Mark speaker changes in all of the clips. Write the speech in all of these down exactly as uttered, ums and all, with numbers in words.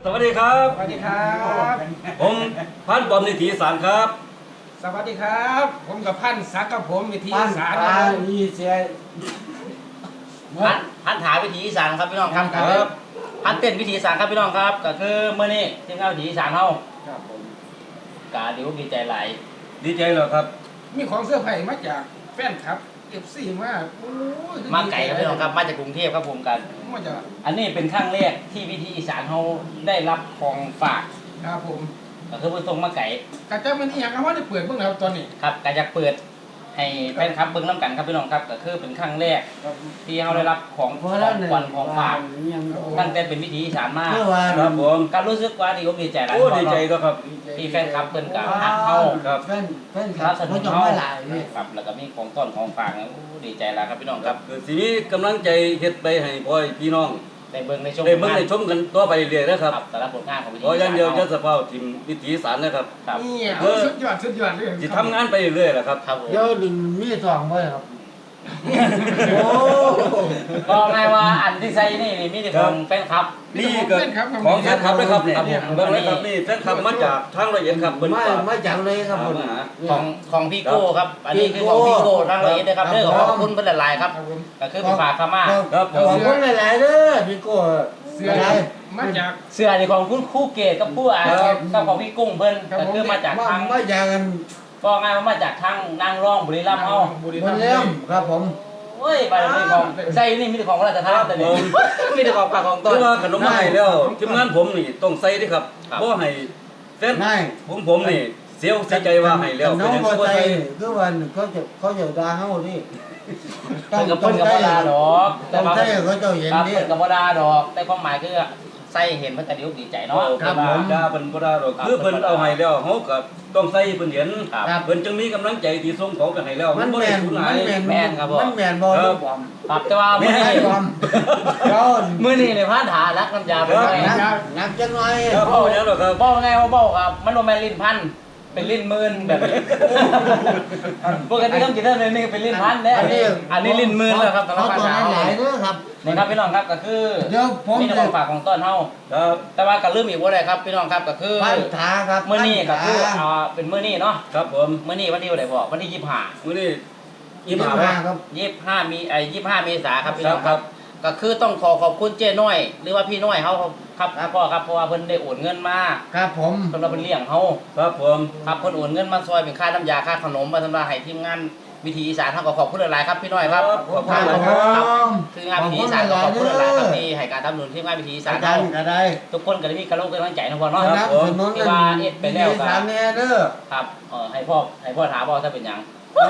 Speaker 1: สวัสดีครับ
Speaker 2: สวัสดีครับ
Speaker 1: ผมพันปอมนิติสารครับ
Speaker 2: สวัสดีครับผมกับพันศักดิ์กับผมวิธีสาร
Speaker 3: พันมีเสีย
Speaker 4: พันพันถาวิถีอีสานครับพี่น้องครับ
Speaker 1: ครับ
Speaker 4: พันเต้นวิถีอีสานครับพี่น้องครับก็คือเมื่อนี้ทีมงานวิถีอีสานเฮา
Speaker 2: ครับผม
Speaker 4: กาดิวดีใจหลาย
Speaker 1: ดีใจเหรอครับ
Speaker 2: มีของเสื้อผ้ามาจากแฟนครับเอฟซีมาโอ้ย
Speaker 4: มาไก่ครับพี่น้องครับมาจากกรุงเทพครับผมกัน
Speaker 2: มาจาก
Speaker 4: อันนี้เป็นครั้งแรกที่วิถีอีสานเฮาได้รับของฝาก
Speaker 2: ครับผม
Speaker 4: ก็คือเพิ่นส่งมาไก่
Speaker 2: กระเจ้ามันนี่ยังเอาว่าได้เปิดเพิ่งแล้วตอนนี้
Speaker 4: ครับก็อยากเปิดให้แฟนคลับเบิ่งน้ำกันครับพี่น้องครับก็คือเป็นครั้งแรกที่เฮาได้รับของ
Speaker 3: เพ
Speaker 4: ขอ
Speaker 3: ราะ
Speaker 4: ง
Speaker 3: แล้วเนี่ย
Speaker 4: ขวัญของฝาก
Speaker 3: ยัง
Speaker 4: ตั้งแต่เป็นวิถีอีสานมา
Speaker 3: เมื่อวาน
Speaker 1: ครับผม
Speaker 4: การรู้สึกว่าดีอกดีใจหลาย
Speaker 1: โอ้ดีใจก็ครับ
Speaker 4: ที่แฟนคลับเพิ่นก็ฮักเฮา
Speaker 1: ครับ
Speaker 3: แฟนแฟนค
Speaker 4: ค
Speaker 3: ลั
Speaker 4: รั
Speaker 3: บบ
Speaker 4: สนุ
Speaker 3: เขา
Speaker 4: ก
Speaker 3: จะ
Speaker 4: เฮา
Speaker 3: ไม่หลายนี่
Speaker 4: ครับแล้วก็มีของต้นของฝากนะโอ้ดีใจแล้วครับพี่น้องครับ
Speaker 1: คือสีนี้กำลังใจเฮ็ดไปให้พ่อพี่น้อง
Speaker 4: ได้เบิ่งในชม
Speaker 1: ได้เบิ่งได้ชมกันต่อไปเรื่อยๆนะครับ
Speaker 4: ครับแต่ละผลงานของวิถี
Speaker 1: เพราะอย่างเดียวจะ
Speaker 4: ค
Speaker 1: สภาพทีมวิถีสารนะครับ
Speaker 4: รับ
Speaker 2: นี่
Speaker 1: เออ
Speaker 2: สุดยอดสุดยอดเลย
Speaker 1: จะทำงานไปเรื่อยๆแหละครับ
Speaker 4: ครับผม
Speaker 3: เดี๋ยวดึงมีสองไว้ครับโอ้
Speaker 4: ก็ง่ายว่าอันที่ใส่นี่นี่มีแต่ของแฟนคลับ
Speaker 1: นี่ก็ของแฟนคลับนะครับนี่
Speaker 4: ครับผม
Speaker 1: เบิ่งเลยครับนี่แฟนคลับมาจากทางละเอียดครับเบิ่ง
Speaker 3: ไม่
Speaker 1: ฝาก
Speaker 3: ไม่จังเลยครับผม
Speaker 1: หา
Speaker 4: ของของพี่โก้ครับ อันนี้คือของพี่โก้ทางละเอียดนะครับเรื่องของขอบคุณเพิ่นหลายๆครับ
Speaker 2: ครับผม
Speaker 4: ก็คือเป็นฝากเข้ามา
Speaker 1: ครับผ
Speaker 3: ขอบ
Speaker 1: ม
Speaker 3: คุณหลายๆเด้อพี่โก้
Speaker 2: เสื้อ
Speaker 3: อะไร
Speaker 2: มาจาก
Speaker 4: เสื้อนี่ของคุณครู่เกตกับผู้อ่านกับของพี่กุ้งเพิ่นก็คือมาจาก
Speaker 3: มา
Speaker 4: ทาง
Speaker 3: มาจากกัน
Speaker 4: ก็ง่ายว่ามาจากทางนางรองบุรีรัมย์เฮา
Speaker 2: บุรี
Speaker 3: บ
Speaker 2: รั
Speaker 3: น
Speaker 2: มย์
Speaker 3: เล่มครับผม
Speaker 4: เฮ้ยไปเลยของใส่นี่มีแต่ของพระราชทานแต่นี่มีแต่ของฝากของต้
Speaker 1: คื
Speaker 4: น
Speaker 1: อว่าขนมมาให้แล้วทีมงานผมนี่ต้องใส่เด้ครับ
Speaker 4: ครับ
Speaker 1: บ่ให้แฟน
Speaker 3: ไม่
Speaker 1: ผมผมนี่เสียวเสียใจว่าให้แล้ว
Speaker 3: น้อง
Speaker 1: เป็น
Speaker 3: พอ
Speaker 1: จังซี่บ่
Speaker 3: ใจ
Speaker 1: ใส่
Speaker 3: คือวันเขาจะเขาจะด่าเฮาดิ
Speaker 4: เพิ่นกับเพิ่นกับบ่ดาดอก
Speaker 3: ต้องใช่เขาเจ้าเห็น
Speaker 4: ครับ
Speaker 3: ดิ
Speaker 4: เพิ่นกับบ่ดาดอก แต่ความหมายคือใส่เห็นเพิ่นก็ดีอกดีใจเนาะ
Speaker 1: ครับผมด่าเพิ่นบ่ด่าดอกคือเพิ่นเอาให้แล้วเฮาก็ต้องใส่เพิ่นเห็น
Speaker 4: ครับ
Speaker 1: เพิ่นจึงมีกำลังใจที่ส่งของไปให้แล้ว
Speaker 3: มัน
Speaker 1: บ่
Speaker 3: แม
Speaker 1: ได้
Speaker 3: น
Speaker 1: สูญ
Speaker 3: มั
Speaker 1: หาย
Speaker 3: นแมน
Speaker 4: แม่นครับผม
Speaker 3: มันแมนบอล
Speaker 1: ครับ
Speaker 3: บอม
Speaker 4: ครับแต่ว่า
Speaker 3: ไม่
Speaker 4: มื้อ
Speaker 3: ใช่
Speaker 4: นี้
Speaker 3: บอมเจ้า
Speaker 4: มื้อนี้เนี่ยพานถารักน้ำยาไปหน่อย
Speaker 3: นักนักจังหน่อย
Speaker 1: ครับเอาอย่างนั้นหรอครับ
Speaker 4: เว้าไงว่าเว้าครับ มันบ่แม่นลิ้นพันเป็นลิ้นหมื่นแบบนี้ปกติต้องกินได้เลยนี่เป็นลิ้นพันเด้อันนี้อันนี้ลิ้นหมื่นแล้วครับสำหรับ
Speaker 3: เขา
Speaker 4: พาน
Speaker 3: ตัว
Speaker 4: ถา
Speaker 3: นั้นหลาย
Speaker 4: เฮา
Speaker 3: เด้อครับ
Speaker 4: นี่ครับพี่น้องครับก็คือ
Speaker 3: เดี๋ยวผม
Speaker 4: มีแต่ของฝากของต้นเฮา
Speaker 1: ครับ
Speaker 4: แต่ว่าก็ลืมอีกบ่ได้ครับพี่น้องครับก็คือ
Speaker 3: พันธาครับ
Speaker 4: มื้อนี้ก็คือ
Speaker 3: พันธา
Speaker 4: อ่าเป็นมื้อนี้เนาะ
Speaker 1: ครับผม
Speaker 4: มื้อนี้วันที่เท่าไหร่พ่อวันที่ยี่สิบห้า
Speaker 1: มื้อนี้
Speaker 3: ยี่
Speaker 1: ยี่
Speaker 3: สิ
Speaker 1: สิ
Speaker 3: บบ ห้า
Speaker 1: ห้า
Speaker 3: ครับ
Speaker 4: ยี่สิบห้ามีไอ้ยี่สิบห้าเมษาครับพี่
Speaker 1: ค
Speaker 4: น้
Speaker 1: รั
Speaker 4: อบ ง
Speaker 1: ค
Speaker 4: ค
Speaker 1: รั
Speaker 4: รับ บก็คือต้องขอขอบคุณเจ้น้อย หรือว่าพี่น้อยเขาครับพ่อครับเพราะว่าเพิ่นได้โอนเงินมา
Speaker 3: ครับผม
Speaker 4: สำหรับเพิ่นเลี้ยงเฮา
Speaker 1: ครับผม
Speaker 4: ครับเพิ่นโอนเงินมาซอยเป็นค่าน้ำยาค่าขนมมาสำหรับให้ทีมงานวิถีอีสานเฮาก็ขอบคุณหลายๆครับพี่น้อยครับ
Speaker 1: ขอบ
Speaker 3: ค
Speaker 1: คุ
Speaker 3: รั
Speaker 1: ณ
Speaker 3: บ
Speaker 1: ค
Speaker 3: ผ
Speaker 1: รับ
Speaker 3: ม
Speaker 4: คืองานวิถีอีสานก็ขอบคุณหลายๆครับที่ให้การสนับสนุนทีมงานวิถีอีสาน
Speaker 3: อาจา
Speaker 4: เฮาร
Speaker 3: ย์ก็ได้
Speaker 4: ทุกคนก็ได้มีกำลังกำลังใจนะพ่อเนาะ
Speaker 3: สนับสนุน
Speaker 4: ที่ว่าเอ็ดไปแล้วก็
Speaker 3: สามเนี่ยเด้อ
Speaker 4: ครับเออให้พ่อให้พ่อถามพ่อถ้าเป็นหยัง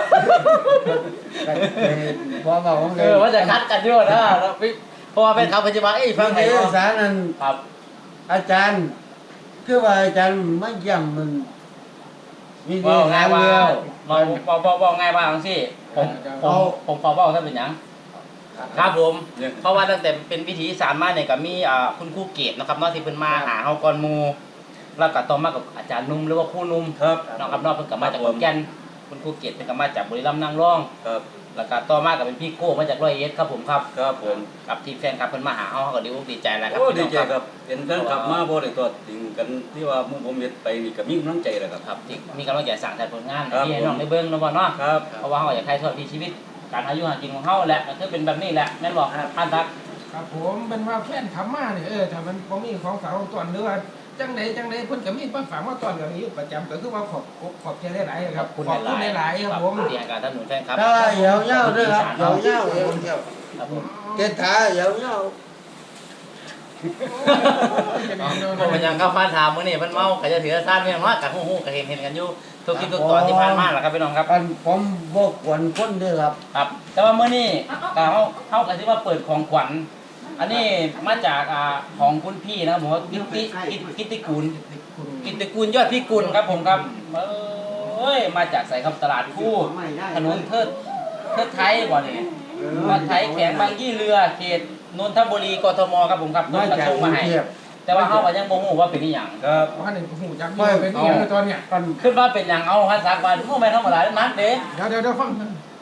Speaker 3: พอบอกว่า
Speaker 4: เออว่าจะคัดกันอยู่นะแล้วพี่เพราะว่าเป็นเขาปัจจุบันเอ้ยฟั
Speaker 3: ฟั
Speaker 4: ง
Speaker 3: ง
Speaker 4: ไหน
Speaker 3: เอ
Speaker 4: พ่อ
Speaker 3: สารนั้น
Speaker 4: ครับ
Speaker 3: อาจารย์ คือว่าอาจารย์ไม่ย่ำมันมี
Speaker 4: บ
Speaker 3: ที่
Speaker 4: อกง่า
Speaker 3: หาย
Speaker 4: ว่า
Speaker 3: เดียว
Speaker 4: บอกบอกบอกบอกง่ายว่าจังซี่ผมผมผมขอบอกถ้าเป็นหยังครับผมเพราะว่าตั้งแต่เป็นวิถีอีสานมาเนี่ยก็มีอ่าคุณครูเกตนะครับเนาะที่เพิ่นมาหาเฮาก่อนหมู่แล้วก็ต่อมากับอาจารย์นุ่มหรือว่าครูนุ่ม
Speaker 1: ครับ
Speaker 4: เนาะครับเนาะเพิ่นก็มาจากขอนแก่นคุณครูเกตเพิ่นก็มาจากบุรีรัมย์นางรอง
Speaker 1: ครับ
Speaker 4: แล้วก็ต่อมาก็เป็นพี่โก้มาจากร้อยเอ็ดครับผมครับ
Speaker 1: ครับผม
Speaker 4: กับทีมแฟนคลับเพิ่นมาหาเฮาเฮาก็ดีอกดีใจแล้วครับ
Speaker 1: โอ้
Speaker 4: พี่
Speaker 1: ดี
Speaker 4: น้อง
Speaker 1: ใจครับเห็นแฟนคลับมาบ่ได้ตัวจริงกันที่ว่าหมู่ผมเฮ็ดไปนี่ก็มีกำลังใจแหละครับ
Speaker 4: ครับที่มีกำลังใจสั่งแต่ผลงาน
Speaker 1: ครับ
Speaker 4: ที่ให้น้องได้เบิ่งเนาะบ่เนาะ
Speaker 1: ครับ
Speaker 4: เพราะว่าเฮาอยากถ่ายทอดวิถีชีวิตการอายุหากินของเฮาแหละก็คือเป็นแบบนี้แหละแม่นบ่ท่านทัก
Speaker 2: ครับผมเป็นว่าแฟนขับมาเนี่ยเออถ้ามันบ่มีของฝากของต้อนหรือว่าจังใดจังใดเพิ่นก็มีมาฝากมาต้อนอย่างนี้ประจำก็คือว่าขอบขอบใจหลายๆครับ
Speaker 4: ขอบคุณ
Speaker 2: ขอบคุณหลายๆครับผม
Speaker 4: ที่ให้การสนับสนุนแฟนครับ
Speaker 3: ถ้าเหี่ยวเย้าด้วยครับเหี่ยวเย้าเหี่ยวเย้า
Speaker 4: ครับผม
Speaker 3: เกถาเหี่ยวเย้า
Speaker 4: บ่เป็นหยังครับฟ้าถามมื้อนี้เพิ่นเมาก็จะถือซ่านเพียงว่าก็ฮู้ๆก็เห็นๆกันอยู่ทุกคลิปทุกตอนที่ผ่านมาล่ะครับพี่น้องครับ
Speaker 3: กันผมบอกกวนคนเด้อครับ
Speaker 4: ครับ แต่ว่ามื้อนี้ก็เฮาเฮาก็สิว่าเปิดของขวัญอันนี้มาจากอ่าของคุณพี่นะครับผมว่ากิตติกิตกิตติกูล กิตติกูลยอดพิกุลครับผมครับเอ้ยมาจากใส่ครับตลาดคู่ถนนเทิดเทิดไทยบ่นี่มาไทยแขวงบางยี่เรือเขตนนทบุรีกทมครับผมครับ
Speaker 3: มา
Speaker 4: กระ
Speaker 3: จาก
Speaker 4: ทง
Speaker 3: กรุ
Speaker 4: มาง ให้
Speaker 3: เทพ
Speaker 4: แต่ว่าเฮาก็ยังบ่ฮู้ว่าเป็นอีหยัง
Speaker 1: ครับ
Speaker 2: ว่าหนึ่งหูจักอยู่เป็นอย่างตอนเนี้ย
Speaker 3: กัน
Speaker 4: คิดว่าเป็นหยังเอาฮันซักว่าบ่แม่นธรรมดานักเด้
Speaker 2: เดี๋ยวเดี๋ยวเดี๋ยวฟัง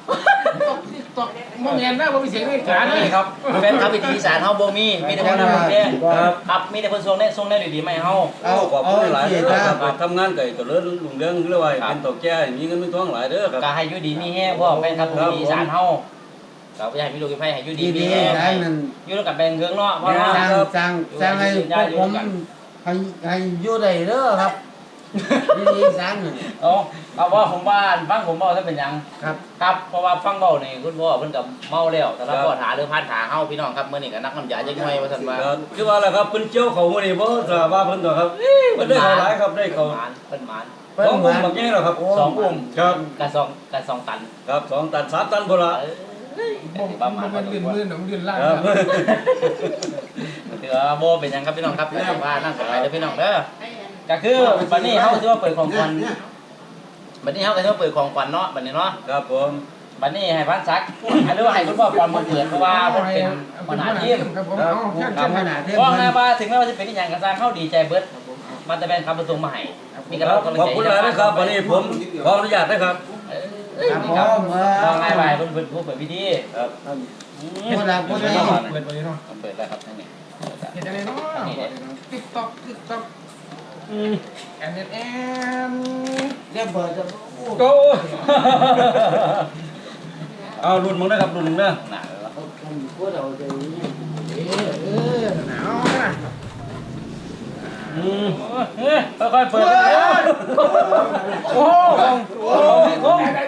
Speaker 2: ตกตกมองเห็นนะว่ามีเสียงในกา
Speaker 4: นี่
Speaker 2: นี่
Speaker 4: ครับแฟนคลับวิถีอีสานเฮาบ่มีมีแต่คนทำเนี่ยครับมีแต่คนส่งแน่ส่งแน่ดีๆมาให้เฮา
Speaker 3: เอา
Speaker 1: ขอบ
Speaker 3: เอา
Speaker 1: คุณหลาย
Speaker 3: สิ
Speaker 1: เด้อ
Speaker 3: ค
Speaker 1: ค
Speaker 3: รั
Speaker 1: รั
Speaker 3: บบ
Speaker 1: ทำงานไก่ตัวเลื่อนลุงเรื่องเรื่องว่าเป็นตัวแก่มีเงินมีทองหลายเด้อครับ
Speaker 4: ก็ให้อยู่ดีมีแฮงพ่อแฟนคลับวิถีอีสานเฮาก็อยากให้มีลูกมีไผให้อยู่ดีมี
Speaker 3: ดี
Speaker 4: แฮง
Speaker 3: ๆได้มัน
Speaker 4: อยู่ด้วยกันแบ่งเครื่องเนาะพ่อ
Speaker 3: ส
Speaker 4: เนาะ
Speaker 3: ร้างสร้างสร้างให้พวกผมให้ให้อยู่ได้เด้อครับดีๆสร้างน่ะ
Speaker 4: เอาเอาว่าผมว่าฟังผมเว้าซะเป็นหยัง
Speaker 3: ครับ
Speaker 4: ครับเพราะว่าฟังเว้านี่คุณพ่อเพิ่นก็เมาแล้วแต่ละพ่อถาหรือพานถาเฮาพี่น้องครับมื้อนี้ก็นักน้ำยาจักหน่อยว่าซั่นว่า
Speaker 1: ก็คือว่าแหละครับเพิ่นเจียวเขามื้อนี้บ่ทราบว่าเพิ่นตัวครับเพิ่นได้เขาหลายครับได้เขา
Speaker 4: หมานเพิ่นหมาน
Speaker 1: สองกลุ่มบักใหญ่แล้วครับ
Speaker 4: สองกลุ่ม
Speaker 1: ครับ
Speaker 4: กระสองกระสองตัน
Speaker 1: ครับสองตันสามตันพุ่นละ
Speaker 4: เอ้ย
Speaker 2: บ่บ่มันลื่นมือหนองลื่นล่าง
Speaker 1: ครับ
Speaker 4: ถือว่าโบเป็นหยังครับพี่น้องครับว่านั่งสบายเด้อพี่น้องเด้อก็คือบัดนี้เฮาสิว่าเปิดของขวัญบัดนี้เฮาก็สิว่าเปิดของขวัญเนาะบัดนี้เนาะ
Speaker 1: ครับผม
Speaker 4: บัดนี้ให้พันศักดิ์หรือว่าให้คุณพ่อปอนมาเปิดเพราะว่าเพิ่นเป็นปัญหาทีม
Speaker 2: ครับผมเอาแค่
Speaker 3: ตามขนาดที่
Speaker 4: เพราะ
Speaker 3: มัน
Speaker 4: แม่ว่าถึงแม้ว่าสิเป็นอีหยังก็สร้างเฮาดีใจเบิดมันจะเป็นคำประตูมาให้มีกำ
Speaker 1: ค
Speaker 4: ลั
Speaker 1: รั
Speaker 4: ง
Speaker 1: บ
Speaker 4: กำลัง
Speaker 1: ขอบ
Speaker 4: ใจ
Speaker 1: คุณหลายนะครับวันนี้ผมขออนุญาตนะครับ
Speaker 4: เอ้ยนี่ครับว่าง่ายไปเพิ่นเพิ่นผู้เปิดพิธี
Speaker 1: ครับ
Speaker 3: คนละคนละ
Speaker 2: เปิดไปเนาะ
Speaker 4: เปิดแล้วครับทั้งนี้
Speaker 2: เห็นอะไรเนาะติ๊กต๊อกติ๊กต๊อกแอนแอนแอน
Speaker 3: เรียกเปิดจะ
Speaker 1: โอ้เอารุ่นมึงนะครับรุ่นมึงเด้อ
Speaker 4: หนาแล้ว
Speaker 3: พูดเอาใจ
Speaker 2: เออเออหนาวนะ
Speaker 1: อืม
Speaker 4: เฮ้ยค่อยๆเปิดโอ้โหโอ้โห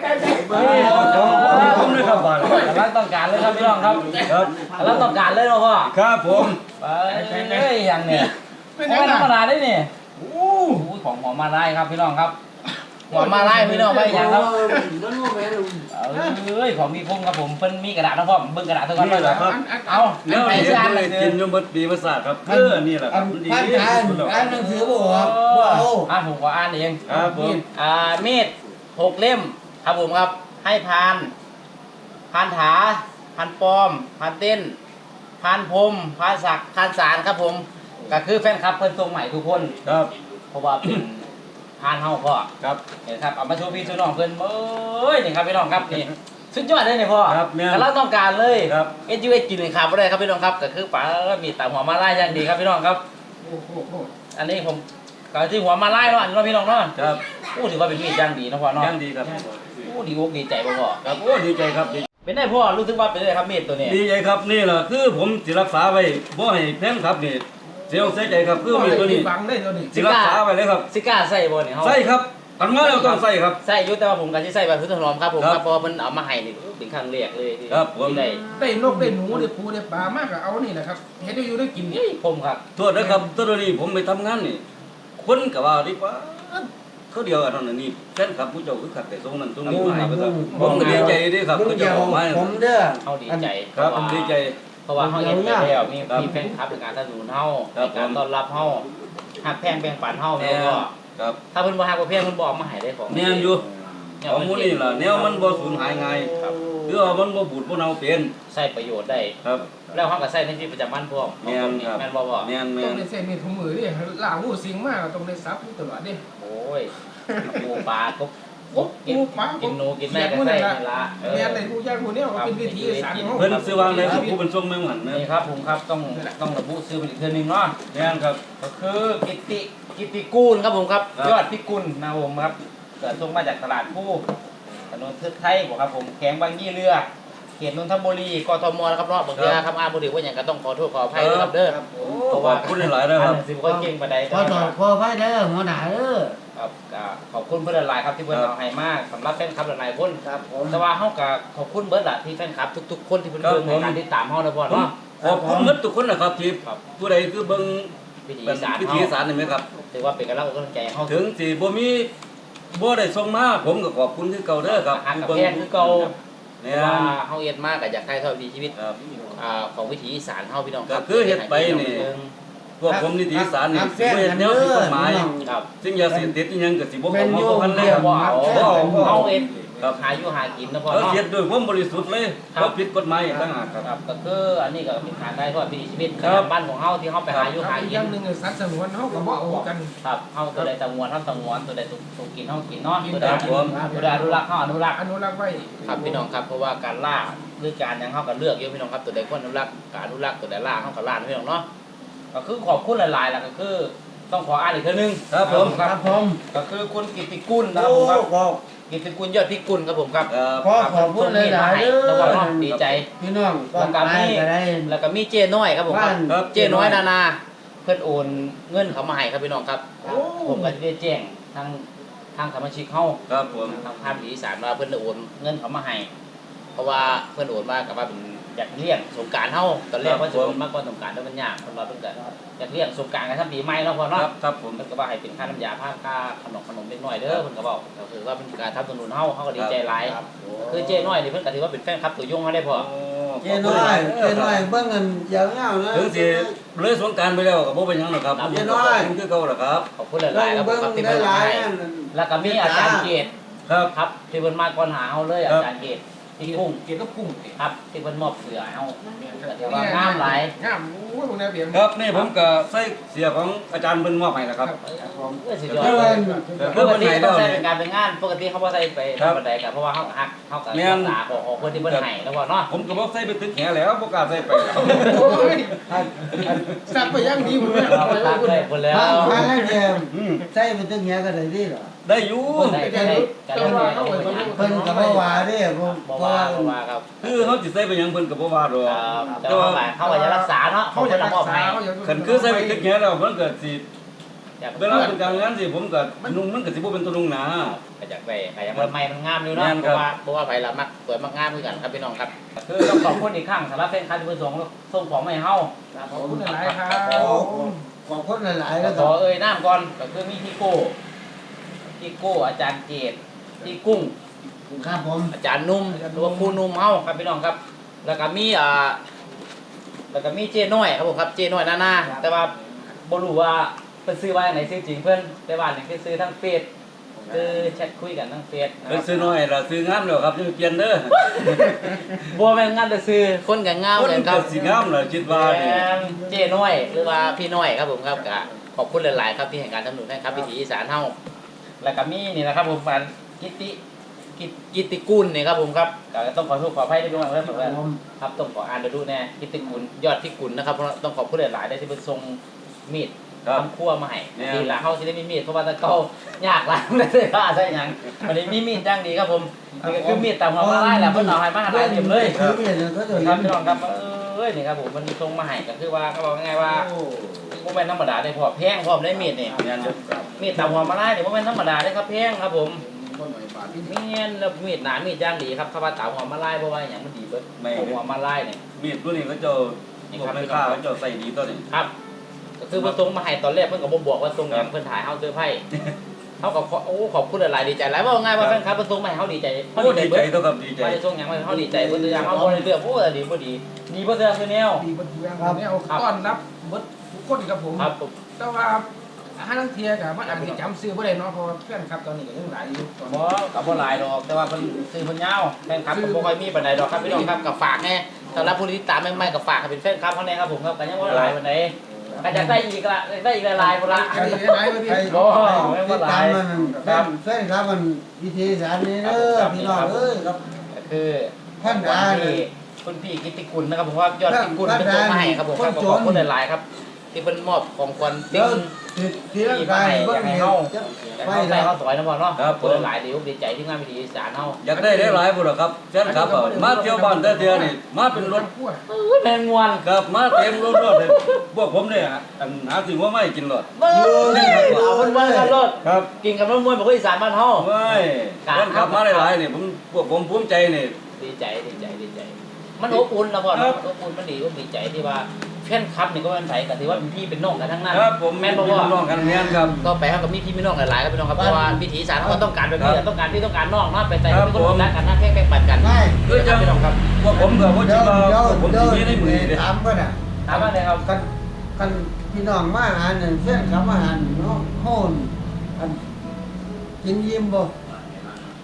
Speaker 1: ผมเลยครับบ้าน
Speaker 4: กำลังต้องการเลยครับพี่น้องครับ
Speaker 1: ครับ
Speaker 4: กำลังต้องการเลยเนาะพ่อ
Speaker 1: ครับผม
Speaker 4: ไปเฮ้ยอย่างเนี่ย
Speaker 2: เป็น
Speaker 4: ไม่
Speaker 2: ยังไง
Speaker 4: ธรรมดาได้นี่โอ้โหของหอมมาไล่ครับพี่น้องครับหอมมาไล่พี่น้องไปอย่างครับ
Speaker 3: มันว่าแม่ลุง
Speaker 4: เอ้ยของมีคมครับผมเพิ่นมีกระดาษนะพ่อเบิ่งกระดาษเท่ากันเลยครับเอา
Speaker 1: แล้ว
Speaker 4: ไป
Speaker 1: เดี๋ยว
Speaker 4: สิอ่านห
Speaker 1: เล
Speaker 4: นั
Speaker 1: ย
Speaker 4: งสื
Speaker 1: กิ
Speaker 4: อน
Speaker 1: ยมบปีภาษาครับเออนี่แหละครับดี
Speaker 3: พัน
Speaker 1: ที่
Speaker 3: อ่าน
Speaker 1: สุดแล้ว
Speaker 3: อ่านหนังสือบ่ครับบ่เอา
Speaker 4: อ่าผมขออ่านเอง
Speaker 1: ครับผม
Speaker 4: อ่ามีดหกเล่มครับผมครับให้พานพานถาพานปลอมพานเต้นพานพรมพานศักดิ์พานสารครับผมก็คือแฟนคลับเพิ่นทรงใหม่ทุกคน
Speaker 1: ครับ
Speaker 4: เพราะว่าเป็นพานเฮาพ่อ
Speaker 1: ครับ
Speaker 4: เห็นครับเอามาโชว์พี่โชว์น้องเพิ่นเอ้ยนี่ครับพี่น้องครับนี่สุดยอดเลยนี่พ่อ
Speaker 1: ครับแม่น
Speaker 4: แต่เราต้องการเลย
Speaker 1: ครับ
Speaker 4: เอสยูเอสกินเลยครับบ่ได้ครับพี่น้องครับก็คือป๋ามีตาหัวมาไล่อย่างดีครับพี่น้องครับ
Speaker 2: โอ้โห
Speaker 4: อันนี้ผมก็ที่หัวมาไล่เนาะอันนี้เนาะพี่น้องเนาะ
Speaker 1: ครับ
Speaker 4: อู้ถือว่าเป็นมีดอย่างดีเนาะพ่อเนาะ
Speaker 1: ยังดีครับ
Speaker 4: อู้ดีอกดีใจบ่พ่อ
Speaker 1: ครับโอ้ดีใจครับดี
Speaker 4: เป็นได้พ่อรู้สึกว่าเป็นได้ครับมีดตัวนี้
Speaker 1: ดีใจครับนี่แหละคือผมสิรักษาไว้บ่ให้แพงครับนี่เสียวเสียใจครับคือมีตัวนี้
Speaker 2: ฟังได้ตัวนี้
Speaker 1: สิรักษาไว้เลยครับ
Speaker 4: สิกล้าใส่บ่นี่เฮา
Speaker 1: ใส่ครับทำงานเราต้องใส่ครับ
Speaker 4: ใส่อยู่แต่ว่าผมก็สิใส่แบบพื้นถนอมครับผม
Speaker 1: ครับ
Speaker 4: ครับเพราะว่าเพิ่นเอามาให้นี่เป็นครั้งแรกเลยที่
Speaker 1: ครับผม
Speaker 4: ที่ได้
Speaker 2: ได้นกได้หนูได้ปูได้ปลามากก็เอานี่แหละครับเห็นได้อยู่ได้กินนี่
Speaker 4: ผมครับ
Speaker 1: โทษนะครับตัวนี้ผมไปทำงานนี่คนก็ว่าดีกว่าเขาเดียวกันนั่นนี่แฟนคลับผู้เจ้าคือขัดแต่ทรงนั้นทรงนี้มาให้ครับผมก็ดีใจเด้ครับ
Speaker 3: ลุง
Speaker 1: เขา
Speaker 3: เดี
Speaker 1: เจ้า
Speaker 3: ยว
Speaker 1: ออกมา
Speaker 3: ผมเด้อ
Speaker 4: เฮาดีใจ
Speaker 1: ครับผมดีใจ
Speaker 4: เพราะว่าเฮาเฮ็ดไปแล้วมี
Speaker 1: ครับ
Speaker 4: มีแฟนคลับในการสนับสนุนเฮา
Speaker 1: ครับ
Speaker 4: ในการต้อนรับเฮาฮักแพงแบ่งปันเฮา
Speaker 1: แม่
Speaker 4: แม่ก็
Speaker 1: ครับ
Speaker 4: ถ้าเพิ่นบ่ฮักบ่แพงเพิ่นบ่เอามาให้ได้ของ
Speaker 1: แม่นอยู่
Speaker 4: แนว
Speaker 1: ของหมูนี่ล่ะแนวมันบ่สูญหายง่าย
Speaker 4: ครับ
Speaker 1: คือว่ามันบ่บูดบ่เน่าเป็น
Speaker 4: ใช้ประโยชน์ได้
Speaker 1: ครับ
Speaker 4: แล้วเฮาก็ใช้ในชีวิตประจำวันพร้อม
Speaker 1: แม่นครับ
Speaker 4: แม่นบ่พ่อ
Speaker 1: แม่นแม่
Speaker 2: ต้อง
Speaker 1: น
Speaker 2: ได้เส้นมีถุงมือดิล่าหูสิงมากต้องได้ซับตลอดดิ
Speaker 4: โอ้ยปูปลากบก
Speaker 2: โอ้
Speaker 4: บกิน
Speaker 2: ปูปลา
Speaker 4: กินหนูกินแม่ก็ใส่นี่ละเออ
Speaker 2: แม่ในผู้ยากผู้เนี้ยเป็นวิธีสารของ
Speaker 1: เพิ่นซื้อวางเลยครับผู้เป็นทรงแม่งหันนะ
Speaker 4: นี่ครับผมครับต้องต้องระบุชื่อเป็นอีกเทื่อหนึงเนาะ
Speaker 1: แม่นครับ
Speaker 4: ก็คือกิตติกิตติกูลครับผมครับ
Speaker 1: ครับ
Speaker 4: ยอดพิกุลนะครับผมครับเกิดส่งมาจากตลาดผู้ถนนเทือกไทยบอกครับผมแขวงบางยี่เรือเขตนนทบุรีกทมนะครับเนาะบางทีครับอาบุรีว่าอย่างก็ต้องขอโทษขออภัยด้วยครับเด้อ
Speaker 1: โอ้ขอบคุณหลายๆนะครับ
Speaker 4: อ่านหนังสือบ่ค่อยเก่งปานใด
Speaker 3: ขอต่อขอไว้เด้อหัวหน้าเด้อ
Speaker 4: ครับก็ขอบคุณเพื่อนหลายๆครับที่เพื่อน
Speaker 1: ครับ
Speaker 4: เอาให้มากสำหรับแฟนคลับหลายๆคน
Speaker 3: ครับผม
Speaker 4: แต่ว่าเฮาก็ขอบคุณเบิร์ดล่ะที่แฟนคลับทุกๆคนที่เพิ่น
Speaker 1: ครับ
Speaker 4: เบิ่งใน
Speaker 1: ผม
Speaker 4: การติดตามเฮานะพ่อ
Speaker 1: ผม
Speaker 4: เนาะ
Speaker 1: ขอบคุณหมดทุกคนนะครับที่
Speaker 4: ครับ
Speaker 1: ผู้ใดคือเบิ่ง
Speaker 4: วิถี
Speaker 1: เป็น
Speaker 4: อีสาน
Speaker 1: พิ
Speaker 4: เฮา
Speaker 1: ธีอีสารนี่ไหมครับ
Speaker 4: ถือว่าเป็นกำลังอกกำลังใจให้เฮา
Speaker 1: ถึงสิบ่มีบ่ได้ส่งมาผมก็ขอบคุณคือเก่าเด้อครับ
Speaker 4: หักกับแพงคือเก่า
Speaker 1: เนี่ย
Speaker 4: ว่าเฮาเอ็ดมากก็อยากถ่ายทอดวิถีชีวิต
Speaker 1: ครับ
Speaker 4: อ่าของวิถีอีสานเฮาพี่น้องครั
Speaker 1: ก็คือเฮ็ดไปนี่ พวกผมนิติอีสารนี่สิบ่เฮ็ดแนวผิดกฎหมาย
Speaker 4: ครับ
Speaker 1: ซึ่งยาเสพติดอีหยังก็สิบ่
Speaker 3: เป็
Speaker 1: เข้าน มา
Speaker 3: โย
Speaker 1: บ่
Speaker 3: ม
Speaker 1: กันเลย
Speaker 3: เรีย
Speaker 1: ค
Speaker 3: ก
Speaker 1: รับ
Speaker 3: ว่า
Speaker 4: เอาเฮาเอ็ดหาอยู่หากินนะพ่อ
Speaker 1: แล้ว
Speaker 4: เนาะ
Speaker 1: เสียด้วยความบริสุทธิ์เลยเพราะผิดกฎหมายต่างหากครับ
Speaker 4: ครับก็คืออันนี้ก็เป็นการได้ทอดวิถีชีวิต
Speaker 1: ครับ
Speaker 4: บ้านของเฮาที่เฮาไปหาอยู่หา
Speaker 2: อีก
Speaker 4: กิ
Speaker 2: อน ย่างหนึ่งสัตว์สงวนเขาก็บ่เอากัน
Speaker 4: ครับเฮาตัวใดตะงวนเฮาตะงวนตัวใดถูกกินเฮากินเนาะตัวใด
Speaker 1: ครับผม
Speaker 4: ตัวใดอนุรักษ์เฮาอนุรักษ์
Speaker 2: อนุรักษ์ไว้
Speaker 4: ครับพี่น้องครับเพราะว่าการล่าหรือการหยังเฮาก็เลือกอยู่พี่น้องครับตัวใดควรอนุรักษ์การอนุรักษ์ตัวใดล่าเฮาก็ล่าพี่น้องเนาะก็คือขอบคุณหลายๆล่ะก็คือต้องขออ่านอีกเทื่อนึง
Speaker 1: ครับผม
Speaker 3: ครับผม
Speaker 4: ก็คือคุณกิตติกุลนะครับผมครับ
Speaker 3: ขอบ
Speaker 4: กิตติกุลยอดพิกุลครับผมครับ
Speaker 1: ครับ
Speaker 3: ขอขอบคุณหลายๆเด้
Speaker 4: แล้วก็
Speaker 3: อ
Speaker 4: เนาะดีใจ
Speaker 3: พี่น้องก็
Speaker 4: แล้วก็
Speaker 3: ไป
Speaker 4: มี
Speaker 3: ก็ได้
Speaker 4: แล้วก็มีเจ้น้อยครับผมครับ
Speaker 3: บ้าน
Speaker 4: เจ้น้อยนานาเพิ่นโอนเงินเขามาให้ครับพี่น้องครับ
Speaker 2: โอ้
Speaker 4: ผมก็ได้แจ้งทางทางสมาชิกเฮา
Speaker 1: ครับผม
Speaker 4: ทางภาคอีสานว่าเพิ่นได้โอนเงินเขามาให้เพราะว่าเพิ่นโอนมากับว่าเป็นอยากเลี้ยงสงกรานต์เฮาตอนแรกว่าจะโอนมากกว่าสงกรานต์แต่มันยากเพิ่นว่าเพิ่นก็อยากเลี้ยงสงกรานต์กันทั้งปีใหม่เนาะพ่อ
Speaker 1: ค
Speaker 4: เนาะ
Speaker 1: รับครับผม
Speaker 4: เพิ่นก็ว่าให้เป็นค่าน้ำยาผ้าค่าขนมขนมเล็กน้อยเด้อเพิ่นก็บอกก็คือว่าเป็นการทำสนุนเฮาเฮาก็ดีใจหลายคือเจ้น้อยนี่เพิ่นก็ถือว่าเป็นแฟนคลับตัวยงเฮาได้พ่อ
Speaker 3: เจ้น้อยเจ้น้อยเบิ่งเงินยาวๆนะ
Speaker 1: ถึงสิเลยสงกรารไปแล้วก็บ่เป็นหยังหรอกครับ
Speaker 4: ครับ
Speaker 1: ผมก็เป็นคือเก่าหรอกครับ
Speaker 4: ขอบคุณหลายๆครับผม
Speaker 3: เบิ่ง
Speaker 4: ครับที่
Speaker 3: ได้
Speaker 4: เพิ่น
Speaker 3: หลาย
Speaker 4: ให้
Speaker 3: นั่น
Speaker 4: แล้วก็มีอาจารย์เกต
Speaker 1: ครับ
Speaker 4: ครับที่เพิ่นมาก่อนหาเฮาเลยอา
Speaker 1: ครับ
Speaker 4: จารย์เกตที่กุ้ง
Speaker 2: เกี่ยวกับกุ้ง
Speaker 4: ครับที่เพิ่นมอบเสือให้เฮาก็ถือว่างามหลาย
Speaker 2: งามโอ้ยพวกนี้เบียม
Speaker 1: ครับนี่ผมก็ใส่เสียของอาจารย์เพิ่นมอบให้นะครับ
Speaker 2: ครับผม
Speaker 4: เออสุดยอด
Speaker 3: เพิ่น
Speaker 4: ปกติต้องใช้เป็นการเป็นงานปกติเขาบ่ใส่ไป
Speaker 1: ครับ
Speaker 4: ธรรมดากันเพราะว่าเฮาก็ฮักเฮาก็
Speaker 1: แม่
Speaker 4: รั
Speaker 1: น
Speaker 4: กษาของของคนที่เพิ่นให้แล้วบ่เนาะ
Speaker 1: ผมก็บ่ใส่ไปตึกแหแล้วบ่กล้าใส่ไปแล้ว
Speaker 2: โอ้ยสักไปยังดีผมเนี่ย
Speaker 4: เราก็ตักได้พุ่นแล้ว
Speaker 3: ทางทางนั้นเดียว
Speaker 1: อืม
Speaker 3: ใส่ไปตึงเงี้ยก็ได้ดีเหรอ
Speaker 1: ได้อยู่
Speaker 4: ได้ได้ได้กันแล้วเนี่ยเอาไปเป็นงาน
Speaker 3: เพิ่นก็บ่ว่าเด้ผม
Speaker 4: บ่
Speaker 3: เพราะ
Speaker 4: ว่า
Speaker 3: ว่า
Speaker 4: บ่ว่าครับ
Speaker 1: คือเขาสิใส่ไปหยังเพิ่นก็บ่ว่าดอก
Speaker 4: ครับแต่ว่าเขาก็จะรักษาเนาะ
Speaker 2: เขา
Speaker 4: เขา
Speaker 2: จะ
Speaker 4: จะ
Speaker 2: รัก
Speaker 4: มอบ
Speaker 2: ษา
Speaker 4: ให้
Speaker 2: เขาจะ
Speaker 1: คันคือใส่ไปตึกแหแล้วมันก็สิ
Speaker 4: อยาก
Speaker 1: เวลาเป็นการงานสิผมก็นุ่งมันก็สิบ่เป็นตัวนุ่งหนา
Speaker 4: ก็อยากได้ก็อยากมันใหม่มันงามอยู่เนาะ
Speaker 1: แม่น
Speaker 4: เพ
Speaker 1: ครับ
Speaker 4: ราะว่าเพราะว่าไผละมักสวยมักงามคือกันครับพี่น้องครับคือต้องขอบคุณอีกครั้งสำหรับแฟนคลับที่เพิ่นส่งส่งของมาให้เฮา
Speaker 2: ขอบคุณหลายครับ
Speaker 3: ขอบคุณหลายๆแล้ว
Speaker 4: ข
Speaker 3: ก็
Speaker 4: อเอ่ยนามก่อนก็คือมีพี่โก้พี่โก้อาจารย์เกตพี่กุ้ง
Speaker 3: ครับผม
Speaker 4: อาจารย์นุ่มหรือว่าครูนุ่มเฮาครับพี่น้องครับ แล้วก็มีอ่าแล้วก็มีเจ้น้อยครับผมครับเจ้น้อยนานาแต่ว่าบ่รู้ว่าเพิ่นซื้อว่าจังไดซื้อจริงเพิ่นแต่ว่านี่คือซื้อทั้งเฟซคือแชทคุยกันทั้งเฟซนะค
Speaker 1: เพิ่
Speaker 4: รั
Speaker 1: น
Speaker 4: บ
Speaker 1: ซื้อน้อยล่ะซื้องามแล้วครับจะเปลี่ยนเด้อ
Speaker 4: บ่แม่นงานแต่ซื้อคนก็งาม
Speaker 1: คน
Speaker 4: กันค
Speaker 1: ก็
Speaker 4: รับ
Speaker 1: สิงามล่ะคิดว่านี่
Speaker 4: แม่นเจ้น้อยหรือว่าพี่น้อยครับผมครับก็ขอบคุณหลายๆครับที่ให้การสนับสนุนให้ครับวิถีอีสานเฮาแล้วก็มีนี่นะครับผมฟันกิตติกิตกิตติกุลนี่ครับผมครับก็ต้องขอโทษขออภัยด้วยนะครับ
Speaker 3: ครับผม
Speaker 4: ครับต้องขออ่านดูแน่กิตติกุลยอดพิกุลนะครับเพราะต้องขอบคุณหลายๆได้ที่เพิ่นส่งมีด
Speaker 1: ครับ
Speaker 4: ทำครัวมาให้
Speaker 1: เนี่ย
Speaker 4: ดีละเฮาสิได้มีมีดเพราะว่าแตะเก่ายากหลายไม่ได้ว่าใช่หยังวันนี้มีมีดจังดีครับผมนี่ก็คือมีดตามหัวมาไล่แหละเพิ่นเอาให้มาหลายเล่มเลย
Speaker 3: คือเนี่ยก็จะ
Speaker 4: ครับพี่น้องครับเอ้ยนี่ครับผมมันส่งมาให้ก็คือว่าเขาบอกง่ายๆว่าบ่แม่นธรรมดาได้พอแพงพร้อมได้มีดนี่
Speaker 1: งานเด้อครับ
Speaker 4: มีดตามหัวมาไล่นี่บ่แม่นธรรมดาได้ครับแพงครับผมมีเงินแล้วมีดหนามีดย่างดีครับถ้าว่าตามหัวมาไล่บ่ว่าหยังมันดีเบิดหัวมาไล่นี่
Speaker 1: มีดตัวนี้เขาเจ้าพวกแม่ค้าเขาเจ้าใส่ดีตัวนี้
Speaker 4: ครับก็คือเพิ่นส่งมาให้ตอนแรกเพิ่นก็บ่บอกว่าส่งหยังเพิ่นถ่ายเฮาเซอร์ไพรส์เฮาก็ขอโอ้ขอบคุณหลายๆดีใจหลายว่าง่ายว่าแฟนคลับเพิ่นส่งมาให้เฮาดีใจเฮา
Speaker 1: โอ้
Speaker 4: ดี
Speaker 1: ดี
Speaker 4: ใจ
Speaker 1: ใจ
Speaker 4: เบิด
Speaker 1: ตัวครับดีใจ
Speaker 4: ไม่ได้ส่งหยังมาให้เฮาดีใจเพิ่นตัวอย่างเฮาบ่ได้เลือกโอ้ดีบ่ดีดีบ่เสือคือแนว
Speaker 2: ดีบัดเทืองเนี่ยเอาต้อนรับเบิดทุกคนครับผม
Speaker 4: ครับผม
Speaker 2: แต่ว่าห้านังเทียกับมันอาจจะจำซื้อบ่ได้เนาะเพราะว่าเพื่อนครับตอนนี้ก็ยังหลายอยู่ตอน
Speaker 4: บ่
Speaker 2: นี้
Speaker 4: ก็บ่หลายดอกแต่ว่าเพิ่นซื้อเพิ่นยาวแฟนคลับก็บ่ค่อยมีปานใดดอกครับพี่น้องครับก็ฝากแน่สำหรับผู้ที่ติดตามใหม่ๆก็ฝากให้เป็นแฟนคลับเฮาแน่ครับผมครับก็ยังบ่หลายปานใดก็อยากได้อีกละอยากได้อีกหลายๆพุ่นละ
Speaker 2: ใครได้หลายบ่ดี
Speaker 3: ใคร
Speaker 4: บ่
Speaker 3: ติดตามมันครับแฟนครับมันวิธีสารนี้เด้อพี่น้องเอ้ยครับ
Speaker 4: ก็คือ
Speaker 3: ท่าน
Speaker 4: คุ
Speaker 3: ดา
Speaker 4: ณ
Speaker 3: เนี่
Speaker 4: พี่
Speaker 3: ย
Speaker 4: คุณพี่กิตติกุลนะครับผมว่ายอดกิตติกุล
Speaker 3: ท่าน
Speaker 4: เป็นตัวมาให้ครับผมครับ
Speaker 3: คนจน
Speaker 4: ขอบคุณหลายๆครับ ที่เป็นมอบของขวัญ
Speaker 3: เดี๋
Speaker 4: ติ้
Speaker 3: ยว
Speaker 4: ง
Speaker 3: ที่ร่างกายเบิ่งเนี่ยจะ
Speaker 4: อยาก
Speaker 3: ไป
Speaker 4: เข้าใจ
Speaker 3: แล้ว
Speaker 4: เข้าซอยนะพ่อเนาะขอบคุณหลายๆเดี๋ยวดีใจที่งานวิธีอีสานเฮา
Speaker 1: อยากได้หลายๆพุ่นล่ะครับแฟนคลับอะมาเที่ยวบ้านแต่เที่ยวนี่มาเป็นรถ
Speaker 2: พวก
Speaker 4: แมงมวน
Speaker 1: ครับมาเต็มรถรถเลยพวกผมเนี่ยอันหาสิ่งว่าไม่กินรถ
Speaker 4: เบ้ยเอาคนว่ากันรถ
Speaker 1: ครับ
Speaker 4: กินกับมะม่วงแบบคนอีสานบ้านเฮา
Speaker 1: ไม่แฟนคลับมาหลายๆนี่ผมพวกผมภูมิใจนี่
Speaker 4: ดีใจดีใจดีใจ มันอบอุ่นนะพ่อ
Speaker 1: ครั
Speaker 4: เนาะ
Speaker 1: บ
Speaker 4: อบอุ่นมันดีอบดีใจที่ว่าแฟนคลับนี่ก็เป็นไผก็ถือว่าเป็นพี่เป็นน้องกันทั้งนั้น
Speaker 1: ครับผม
Speaker 4: แม่นบ่
Speaker 1: พี่
Speaker 4: ว่า
Speaker 1: น้องกันแม่นครับ
Speaker 4: ก็ไปเฮากับมีพี่มีน้องหลายๆครับพี่น้องครับเพราะว่าวิถีอีสานเขาก็ต้องการแบบนี้
Speaker 1: ครับ
Speaker 4: ต้องการพี่ต้องการน้องเนาะไปใส่
Speaker 1: ครับ
Speaker 4: เป็นคน
Speaker 1: ผม
Speaker 4: รักกันนะแค่แบ่งปันกัน
Speaker 3: ไม่
Speaker 1: คือจัง
Speaker 4: พี่น้องครับ
Speaker 1: พวกผมก็บ่
Speaker 3: เดี๋
Speaker 1: คิ
Speaker 3: ย
Speaker 1: ด
Speaker 3: ว
Speaker 1: ว่า
Speaker 3: เดี๋ยว
Speaker 1: พวกผม
Speaker 3: เดี๋ยว
Speaker 1: สิมีในมือนี่
Speaker 3: ถามก็น่ะ
Speaker 4: ถามว่าไงครับ
Speaker 3: กันกันพี่น้องมาหาหนึ่งเส้นครับมาหาหนึ่งเนาะโหนกันกินยิ้มบ่
Speaker 1: โ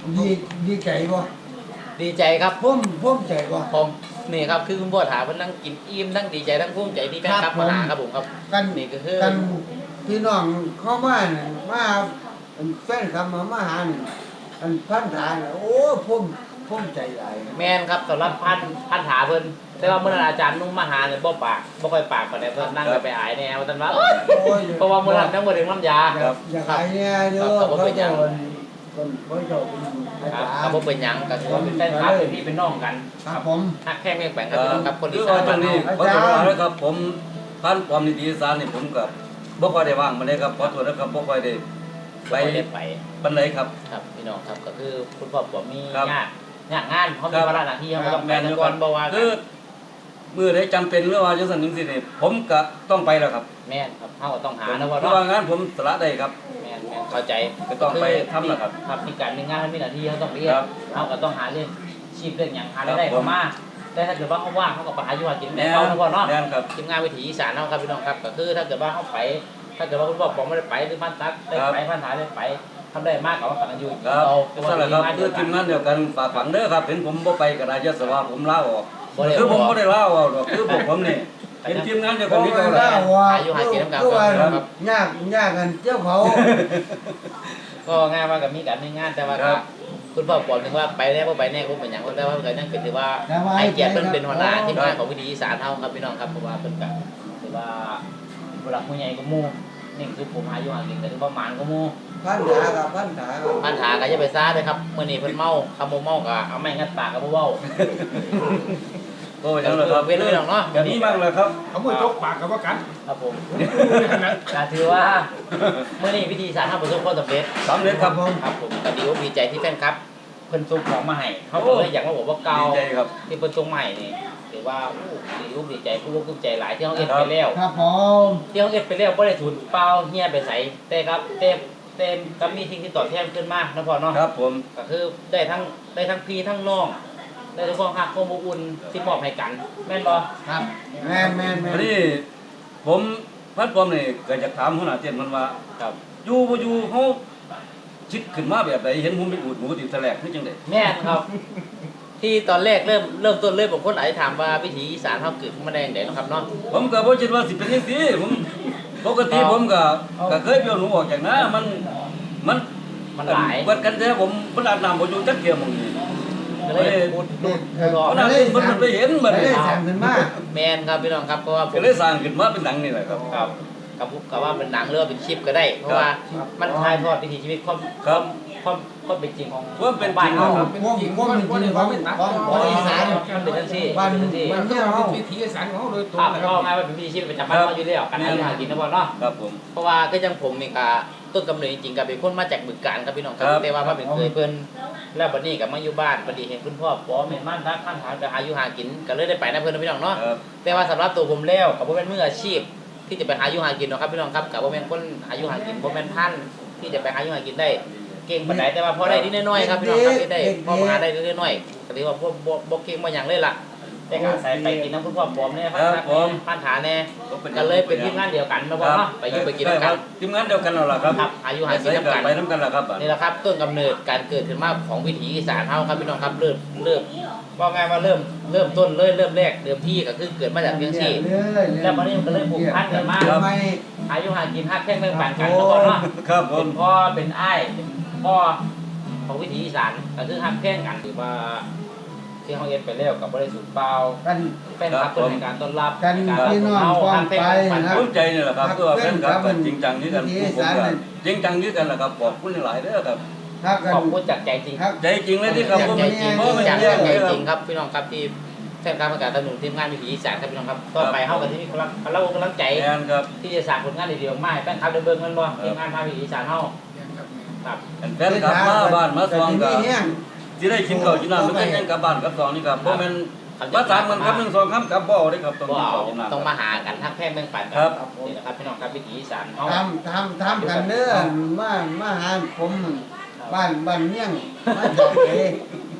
Speaker 3: ดีดีใจบ่
Speaker 4: ดีใจครับ
Speaker 3: ผมผมใจบ่
Speaker 4: ผมนี่ครับคือคุณพ่อถามเพิ่นนั่งกินอิ่มนั่งดีใจทั้งภูมิใจที่แฟนคลับมาหาครับผมครับ
Speaker 3: กัน
Speaker 4: นี่ก็คือ
Speaker 3: กันพี่น้องเข้ามาเนี่ยมาแฟนคลับมามาหาเนี่ยอันพันธาเนี่ยโอ้ผมผมใจหลาย
Speaker 4: แม่นครับสำหรับพันพันถาเพิ่นแต่ว่าเมื่อนั้นอาจารย์นุ่มมาหาเนี่ยบ่ปากบ่ค่อยปากปานใดเพิ่นนั่งไปหายแนวว่าซั่นว่าเอ้ย
Speaker 3: โอ้ย
Speaker 4: เพราะว่าเมื่อนั้นทั้งบ่ถึงน้ำยา
Speaker 3: อยากอยากขายเนี่ยเด้อเขาจะคนคนเขาจะอา
Speaker 4: ครับ
Speaker 3: จาร
Speaker 4: ก็
Speaker 3: ย์
Speaker 4: บ่เป็นหยังก็ถือว่าเป็นแฟนคลับเป็นพี่เป็นน้องกัน
Speaker 3: ครับผม
Speaker 4: ฮักแค่แม่งแปลงครับพี่น้องครับคน
Speaker 1: คื
Speaker 4: ที่
Speaker 1: อ
Speaker 4: สา
Speaker 1: ว่าม ตรงนี้
Speaker 3: อา
Speaker 1: ขอ
Speaker 3: จารย์
Speaker 1: โทษนะครับผมท่านความนิติสารนี่ผมกับบ่ค่อยได้ว่างมาเลยครับขอโทษนะครับบ่ค่อยได้ไป
Speaker 4: ไปได้ไป
Speaker 1: ปานใดครับ
Speaker 4: ครับพี่น้องครับก็คือคุณพ่อผมมี
Speaker 1: ครับ
Speaker 4: ญาติญาติงานเขา
Speaker 1: ครั
Speaker 4: มี
Speaker 1: บ
Speaker 4: ภาระหน้าที่เขาก็ต้องไป
Speaker 1: แม่น
Speaker 4: นะ
Speaker 1: อยู่
Speaker 4: ก่
Speaker 1: ค
Speaker 4: อ
Speaker 1: รั
Speaker 4: น
Speaker 1: บ
Speaker 4: บ่ว่า
Speaker 1: คือมื้อใดจำเป็นหรือว่าจังซั่นจังซี่นี่ผมก็ต้องไปแล้วครับ
Speaker 4: แม่นครับเขาก็ต้องหานะ
Speaker 1: เพ
Speaker 4: ว่า
Speaker 1: ราะ
Speaker 4: เนาะ
Speaker 1: ว่างานผมสละได้ครับ
Speaker 4: แม่นแม่นเข้าใจ
Speaker 1: ก็ต้องไปทำล่ะครับ
Speaker 4: ครับมีการมีงานมีหน้าที่เขาต้องเรียน
Speaker 1: ครับ
Speaker 4: เขาก็ต้องหาเรื่องชีพเรื่องหยังหารายได้
Speaker 1: ครับ
Speaker 4: เข้ามาแต่ถ้าเกิดว่าเขาว่างเขาก็ไปหาอยู่หากิน
Speaker 1: แม่
Speaker 4: แม่
Speaker 1: น
Speaker 4: เขานะพ่อเนาะ
Speaker 1: แม่นครับ
Speaker 4: ทีมงานวิถีอีสานเนาะครับพี่น้องครับก็คือถ้าเกิดว่าเขาไป ถ้าเกิดว่าคุณพ่อผมไม่ได้ไปหรือพันตักได้ไปพันถาได้ไปทำได้มากกว่ากันอยู่
Speaker 1: ครับ
Speaker 4: เรา
Speaker 1: นั่นแหละครับคือทีมงานเดียวกันฝากฝังเด้อครับเห็นผมบ่ไปก็ได้ยศว่าผมลาออกคือผมบ่ได้ลาออกหรอกคือพวกผมนี่เป็นทีมงานเดียว
Speaker 3: ก็
Speaker 1: กันนี่
Speaker 3: ไม่
Speaker 1: ก็
Speaker 3: ได้
Speaker 1: ได้
Speaker 3: ว่าก็ว่ายากยากกันเจ้าเขา
Speaker 4: ก็ง่ายว่ากับมีการมีงานแต่ว่า
Speaker 1: ครับ
Speaker 4: คุณพ่อบอกถึงว่าไปแน่บ่ไปแน่ก็เป็นอย่างคนแต่ว่าก็ยังเป็นถือว่าให้เกียรติเพิ่นเป็นหัวหน้าทีมงานของวิถีอีสานเฮาครับพี่น้องครับเพราะว่าเพิ่นก็ถือว่าผู้หลักผู้ใหญ่ก็หมู่นี่คือผมอายุห่างกันก็ถือว่าหมานก็หมู่
Speaker 3: พันธากับพันธากับ
Speaker 4: ปัญหาก็อย่าไปซ่าเด้อครับมื้อนี้เพิ่นเมาคำบ่เมาก็เอาไม้งัดปากก็บ่เว้า
Speaker 1: โอ้ยจังเลยครับ
Speaker 4: เว้นเลยเนาะ
Speaker 1: แบบนี้บ้างเลยครับ
Speaker 2: เขามือจกปากกับว่ากัน
Speaker 4: ครับผมก็ถือว่ามื้อนี้วิธีสารทำประสบความสำเร็จ
Speaker 1: สำเร็จครับผม
Speaker 4: ครับผมก็ดีอกดีใจที่แฟนครับเพิ่นส่งของมาให้เขาก็เลยอยากมาบอกว่าเก่า
Speaker 1: ดีใจครับ
Speaker 4: ที่เพิ่นส่งมาให้นี่ถือว่าอู้ดีอกดีใจผู้รู้ภูมิใจหลายที่เฮาเอ็ดไปแล้ว
Speaker 3: ครับผม
Speaker 4: ที่เฮาเอ็ดไปแล้วบ่ได้สูญเปล่าเฮียไปไสแต่ครับเต็มเต็มกับมีสิ่งที่ตอบแทนขึ้นมานะพ่อเนาะ
Speaker 1: ครับผม
Speaker 4: ก็คือได้ทั้งได้ทั้งพี่ทั้งน้องได้ทั้งความรักความอบอุ่นที่มอบให้กันแม่นบ่
Speaker 3: ครับแม่แม่แม่
Speaker 1: อันนี้ผมพัดผมนี่เกิดจากถามหัวหน้าเตียนมันว่า
Speaker 4: ครับ
Speaker 1: อยู่บ่อยู่เขาคิดขึ้นมาแบบใดเห็นผมไปอูดหมูติดแสลกคือจังได๋
Speaker 4: แม่นครับ ที่ตอนแรกเริ่มเริ่มต้นเลยผมคนอาจจะถามว่าวิถีอีสานเฮาเกิดขึ้นมาได้จังได๋เนาะครับเนาะ
Speaker 1: ผมก็บ่คิดว่าสิเป็นจังซี่ผมปกติผมก็ก็เคยเปียวหนูออกจากนามันมัน
Speaker 4: มันหลาย
Speaker 1: เปิดกันแท้ผมมันอาบน้ำบ่อยู่จักเที่ยหม่องนี้
Speaker 4: ก็เลยพูด
Speaker 3: เด็ก
Speaker 4: รอ
Speaker 1: มันอาบมันมันไปเห็นมัน
Speaker 3: ได้สั่งขึ้นมา
Speaker 4: แมนครับพี่น้องครับเพราะว่าผ
Speaker 1: ก็
Speaker 4: ม
Speaker 1: เลยสร้างขึ้นมาเป็นหนังนี่แหละครับ
Speaker 4: ครับกับกับว่าเป็นหนังหรือว่าเป็นคลิปก็ได้ เพราะว่ามันถ่ายทอดวิถีชีวิตความ
Speaker 1: ครับ
Speaker 4: ความความเป็นจริงของ
Speaker 1: ความเป็นจริง
Speaker 4: บ้าน
Speaker 1: ครั
Speaker 4: เรา
Speaker 1: บ
Speaker 2: เป็นจริงว่ามันเป็นของของ
Speaker 3: ของอีสาน
Speaker 4: มันเป็นจังซี่
Speaker 3: บ้าน
Speaker 4: เป็นจังซี่
Speaker 3: บ้า
Speaker 2: มันก็เป็นวิถีอีสานของเขาโดยตรง
Speaker 4: ภาพ
Speaker 2: นะค
Speaker 4: ก็
Speaker 2: รับ
Speaker 4: ง่ายว่าเป็นวิถีชีวิตประจำวันเราอยู่แล้วการหาอยู่หากินนะพ่อเนาะ
Speaker 1: ครับผม
Speaker 4: เพราะว่าก็ยังผมนี่ก็ต้นกำเนิดจริงๆก็เป็นคนมาจากบึงกาฬครับพี่น้องครับ
Speaker 1: ครับ
Speaker 4: แต่ว่ามาเป็นเคยเพิ่นแล้วบัดนี้ก็มาอยู่บ้านบัดนี้เห็นคุณพ่อป้อแม่นบ้านทักท่านถามจะหาอยู่หากินก็เลยได้ไปนะเพิ่นนะพี่น้องเนาะ
Speaker 1: ครับ
Speaker 4: แต่ว่าสำหรับตัวผมแล้วกับผมเป็นมืออาชีพ ที่จะไปหาอยู่หากินเนาะครับพี่น้องครับกับผมเป็นคนหาอยู่หากินผมเป็นท่านที่จะไปหาอยู่หากินได้ เก่งปานใดแต่ว่าพอได้นิดน้อยๆครับพี่น้องครับที่ได้พอมาหาได้นิดน้อยๆก็ถือว่าพวกบ่บ่เก่งบ่หยังเลยล่ะแต่ก็อาศัยไปกินน้ำคุณพ่อผมเนี่ยพันธะพันธาแน่ก็เลยเป็นทีมงานเดียวกันนะบ่เนาะไปอยู่ไปกินด้วยกัน
Speaker 1: ทีมงานเดียวกันแล้วล่ะครับ
Speaker 4: ครับอายุหากินน้ำกัน
Speaker 1: ไปน้ำกันล่ะครับ
Speaker 4: นี่แหละครับต้นกำเนิดการเกิดขึ้นมาของวิถีอีสานเฮาครับพี่น้องครับเริ่มเริ่มว่าไงว่าเริ่มเริ่มต้นเลยเริ่มแรกเดิมที่ก็คือเกิดมาจากเรื่องที่แล้ววันนี้มันก็เลยผูกพันกันมาก
Speaker 3: ไม่
Speaker 4: อายุหากินฮักแท่งเรื่องปั่นกันทุกคนเนาะ
Speaker 1: ครับผ
Speaker 4: เป็
Speaker 1: ม
Speaker 4: นพ่อเป็นอ้ายเป็นพ่อของวิถีอีสานก็คือฮักแท่งกันถือว่าที่เขาเอ็นไปแล้วกับบริสุทธิ์เปล่า
Speaker 3: กัน
Speaker 4: เป็นครับต้นในการต้อนรับ
Speaker 3: กัน
Speaker 4: ในการ
Speaker 3: พี่น้อง
Speaker 4: เอา
Speaker 3: ฟ้อง
Speaker 4: ฮักแท่ง
Speaker 3: ไป
Speaker 4: ปั่น
Speaker 3: นะ
Speaker 1: ภูมิใจนี่แหละครับตัวแฟนครับจริงจังนี่กัน
Speaker 3: วิถี
Speaker 1: ผม
Speaker 3: อีสาน
Speaker 1: ก็
Speaker 3: เนี่ย
Speaker 1: จริงจังนี่กันแหละครับขอบคุณหลายเด้อครับ
Speaker 3: ถ้ากัน
Speaker 4: ขอบคุณจากใจจริง
Speaker 3: ครับ
Speaker 1: ใจจริงเลยที่ครับผม
Speaker 4: ใจจริง
Speaker 1: เพราะมัน
Speaker 4: จาก
Speaker 1: แย่
Speaker 4: ใจ
Speaker 1: เลยค
Speaker 4: จ
Speaker 1: รั
Speaker 4: ริ
Speaker 1: บ
Speaker 4: งครับพี่น้องครับที่แทนการประกาศสนุนทีมงานวิถีอีสานครับพี่น้องครับต่อไปเฮากันที่มีกำลังเรากำลังใจ
Speaker 1: แม่นครับ
Speaker 4: ที่จะสร้างผลงานดีๆออกมาให้แฟนคลับได้เบิ่งกันบ่ทีมงานภาคอีสานเฮาครับ
Speaker 1: แฟนครับมาบ้านมาซองก็
Speaker 3: แต่ที่นี่
Speaker 1: สิได้กินข้าวกินน้ำมันก็ยังกลับบ้านกลับซองนี่ครับบ่แม่นมาถามมันครับหนึ่งสองคำกลับบ่ได้ครับต้อง
Speaker 4: บ่
Speaker 1: กิน
Speaker 4: เอา
Speaker 1: ข้าวกินน้ำ
Speaker 4: ต้องมาหากันทั้งแพร่งแบ่งปันกั
Speaker 1: ครับ
Speaker 4: นี่นะครับพี่น้องครับวิถีอีสานเฮา
Speaker 3: ทำทำทำกันเด้อมามาหาผมบ้านบ้านเมี่ยงมาจากเอ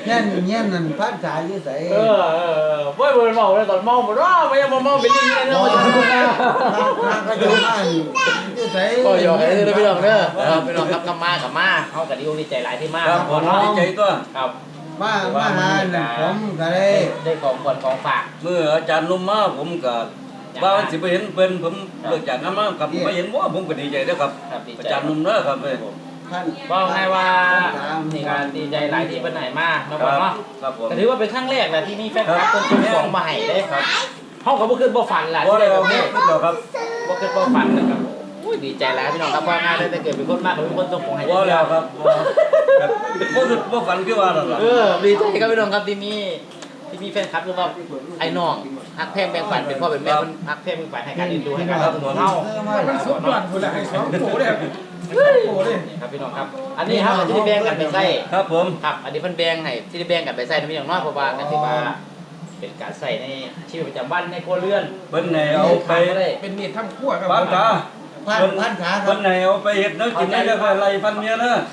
Speaker 3: เงี้ยเงี้ยนั่นพันธาอยู่ไส
Speaker 4: เออเออเว้ยบ่เมาเลยตอนเมาบ่ว่าไม่ยังบ่เมาเป็นลิงเลยเนาะ
Speaker 3: ทางก็จะมาอยู่ไส
Speaker 4: ก็ยอมให้เด้อพี่น้องเด้อครับพี่น้องครับกลับมากับมาเฮาก็ดีอกดีใจหลายที่มา
Speaker 1: ครับผมดีใจตัว
Speaker 4: ครับ
Speaker 3: มามาหาน่ะผมก็ได้
Speaker 4: ได้ของขวัญของฝาก
Speaker 1: เมื่ออาจารย์นุ่มมาผมก็ว่าสิไปเห็นเพิ่นผมเลิกจากงานมาครับไม่เห็นว่าผมก็ดีใจเด้อครับ
Speaker 4: ครับดี
Speaker 1: อา
Speaker 4: ใจ
Speaker 1: จารย์นุ่มเด้อครับเอ้ย
Speaker 3: ท่าน
Speaker 4: ว่าไงว่านี่การดีใจหลายที่เป็นไหนมาเนาะ
Speaker 1: ค
Speaker 4: พ่อ
Speaker 1: รับ
Speaker 4: เนาะ
Speaker 1: ครับผม
Speaker 4: แต่ถือว่าเป็นครั้งแรกแหละที่มีแฟนคลับคนส่งของมาให้ได้ครับเฮาก็บ่คิดบ่ฝันล่ะ
Speaker 1: บ่
Speaker 4: ที่
Speaker 1: ได้
Speaker 4: ได้
Speaker 1: ค
Speaker 4: แบ
Speaker 1: รับบ
Speaker 4: นี้
Speaker 1: เดี๋ยวครับ
Speaker 4: บ่คิดบ่ฝันนะครับโอ้ยดีใจหลายพี่น้องครับว่าง่ายเลยแต่เกิดเป็นคนมากเป็นคนส่งของให้
Speaker 1: บ่แล้วครับบ่ครับบ่คิดบ่ฝันคือว่านั่นล่ะ
Speaker 4: เออดีใจครับพี่น้องครับที่มีที่มีแฟนคลับหรือว่าไอ้น้องฮักแพงแบ่งปันเป็นพ่อเป็นแม่มันฮักแพงแบ่งปันให้การเรียนรู้ให้การรับตัวเฮา
Speaker 2: มันสุดยอดพุ่นละให้สองโถเลยโถเลย
Speaker 4: นี่ครับพี่น้องครับ อันนี้ครับที่ได้แบ่งกันไปใส่
Speaker 1: ครับผม
Speaker 4: ครับ อันนี้เพิ่นแบ่งให้ที่ได้แบ่งกันไปใส่นะพี่น้องเนาะเพราะว่ากันที่ว่าเป็นการใส่ในชีวิตประจำวันในครัวเรือน
Speaker 1: เพิ่นให้เอาไป
Speaker 4: ได้
Speaker 2: เป็นมีดทำขั้วครับ
Speaker 1: ฟันขา
Speaker 3: พันพันขาครั
Speaker 1: เพิ่
Speaker 3: บ
Speaker 1: นให้เอาไปเฮ็ดแนวกินได้แล้วก็ไล่ฟันเมียเด้อ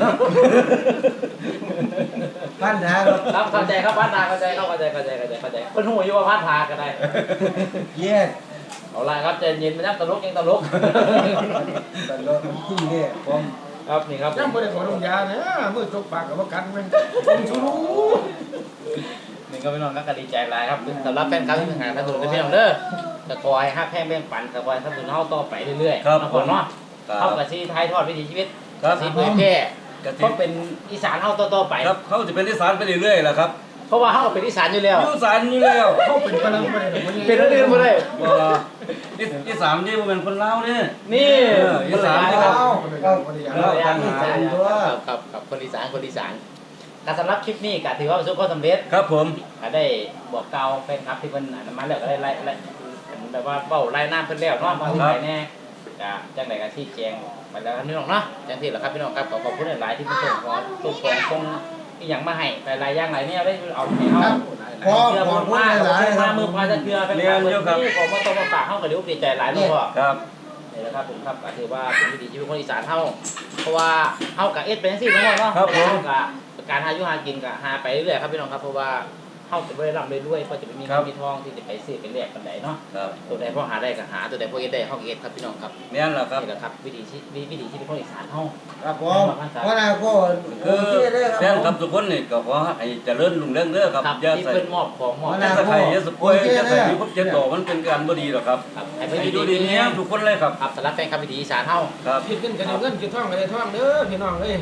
Speaker 3: พันขาครับ
Speaker 4: ครับเข้าใจครับพัฒนาเข้าใจเข้าใจเข้าใจเข้าใจเข้าใจเพิ่นฮู้อยู่ว่าพัฒนาก็ได้
Speaker 3: เย็ด
Speaker 4: เอาล่ะครับใจเย็นไปนะตลกยังตลก
Speaker 3: ตลอดที่เนี่ยผม
Speaker 4: ครับนี่ครับ
Speaker 2: ยังบ่ได้ขอลงยาเนี่ยมือจกปากกับว่ากันแม่งผมชูรู้
Speaker 4: นี่ก็พี่น้องก็ดีใจหลายครับสำหรับแฟนคลับที่หาท่านผู้ชมพี่น้องเด้อจะคอยฮักแพงแบ่งปันจะคอยท่านผู้ชมเฮาต่อไปเรื่อยๆ
Speaker 1: ครับ
Speaker 4: นะ
Speaker 1: ผม
Speaker 4: เนาะ
Speaker 1: ครั
Speaker 4: เข้า
Speaker 1: บ
Speaker 4: กับที่ท้ายทอดวิถีชีวิต
Speaker 1: ครับ
Speaker 4: สีเผยแพร่
Speaker 1: กะทิ
Speaker 4: ก็เป็นอีสานเฮาต่อๆไป
Speaker 1: ครับเขาจะเป็นอีสานไปเรื่อยๆแหละครับ
Speaker 4: เพราะว่าเฮาก็เป็นอีสานอยู่แล้ว
Speaker 1: อยู่อีสานอยู่แล้ว
Speaker 2: เขาเป็นพลังบ่ได้ดอกมัน
Speaker 4: เป็นอันอื่นบ่ได้
Speaker 1: บ่อีอีสานนี่บ่แม่นคนลาวเด้
Speaker 4: นี่
Speaker 1: เอออีสาน
Speaker 4: ค
Speaker 1: ครั
Speaker 4: รับ
Speaker 1: บ
Speaker 4: ครับครับคนอีสานคนอีสานการสำหรับคลิปนี้ก็ถือว่าประสบความสำเร็จ
Speaker 1: ครับผม
Speaker 4: ก็ได้บอกกล่าวแฟนคลับที่เพิ่นอ่านมาแล้วก็ได้ไล่ไล่แบบว่าเว้าไล่น้ำเพิ่นแล้วเนาะมาที่ไหนแน่ก็จังได๋ก็ชี้แจงไปแล้วครับพี่น้องเนาะจังซี่แหละครับพี่น้องครับขอขอบคุณหลายๆที่เพิ่นส่งของส่งของส่งอีหยังมาให้หลายๆอย่างหลายเนี่ยได้เอาให้เฮา
Speaker 3: ขอ
Speaker 4: เชื่อ
Speaker 3: ขอ
Speaker 4: ม
Speaker 3: พูด
Speaker 4: มาก
Speaker 3: หลายๆค
Speaker 4: มา
Speaker 3: รับ
Speaker 4: มือพาจะเกลือเป็นการเมืองที่ผมมาต้องมาฝากเฮาก็ดีอกดีใจหลายเนาะพ่อ
Speaker 1: ครับ
Speaker 4: นี่แหละครับผมครับก็ถือว่าเป็นวิถีชีวิตคนอีสานเฮาเพราะว่าเฮากับเอ็ดเป็นจังซี่เนาะเนาะ
Speaker 1: ครับผม
Speaker 4: เฮากับการหาอยู่หากินก็หาไปเรื่อยๆครับพี่น้องครับเพราะว่าเฮาจะบ่ได้ร่ำได้รวยเพราะจะไม่มีเงินมีทองที่จะไปซื้อไปแลกกันได้เนาะ
Speaker 1: ครับ
Speaker 4: ตัวใดพอหาได้ก็หาตัวใดพอเอ็ดได้เฮาก็เอ็ดครับพี่น้องครับ
Speaker 1: แม่นล่ะครับ
Speaker 4: นี่แหละครับวิถีชีวิตวิถีชีวิตคนอีสานเฮา
Speaker 3: ครับผมเพราะนั้นก็โอ
Speaker 1: คือ
Speaker 3: เคเลย
Speaker 1: แฟนค
Speaker 3: ค
Speaker 1: ลั
Speaker 3: รั
Speaker 1: บบ ทุกคนนี่ก็ขอให้เจริญรุ่งเรืองเด้อครับ
Speaker 4: ครับ
Speaker 1: อย่า
Speaker 4: ที่
Speaker 1: ใส่
Speaker 4: เพิ่นมอบของมอบ
Speaker 1: อย่าใส่ไข่อย่าสป่วยอย่าใส่มีพบเจ็บต่อมันเป็นการบ่ดีหรอกครับ
Speaker 4: ครับให้
Speaker 1: ให้
Speaker 4: เพิ่น
Speaker 1: อยู่
Speaker 4: ดี
Speaker 1: ดี
Speaker 4: ๆ
Speaker 1: นี้ทุกคนเลยครับ
Speaker 4: ครับสำหรับแฟนคลับวิถีอีสานเฮา
Speaker 1: ครับ
Speaker 2: คิดเงินกันได้เงินคิดท่องกันได้ท่องเด้อพี่น้องเอ้ย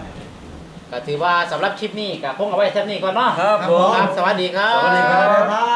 Speaker 4: ก็ถือว่าสำหรับคลิปนี้ก็คงเอาไว้เท่านี้ก่อนเนาะ
Speaker 1: ครับผม
Speaker 4: ครับ สวัสดีครับ
Speaker 1: สวัสดีครับ
Speaker 3: ครับ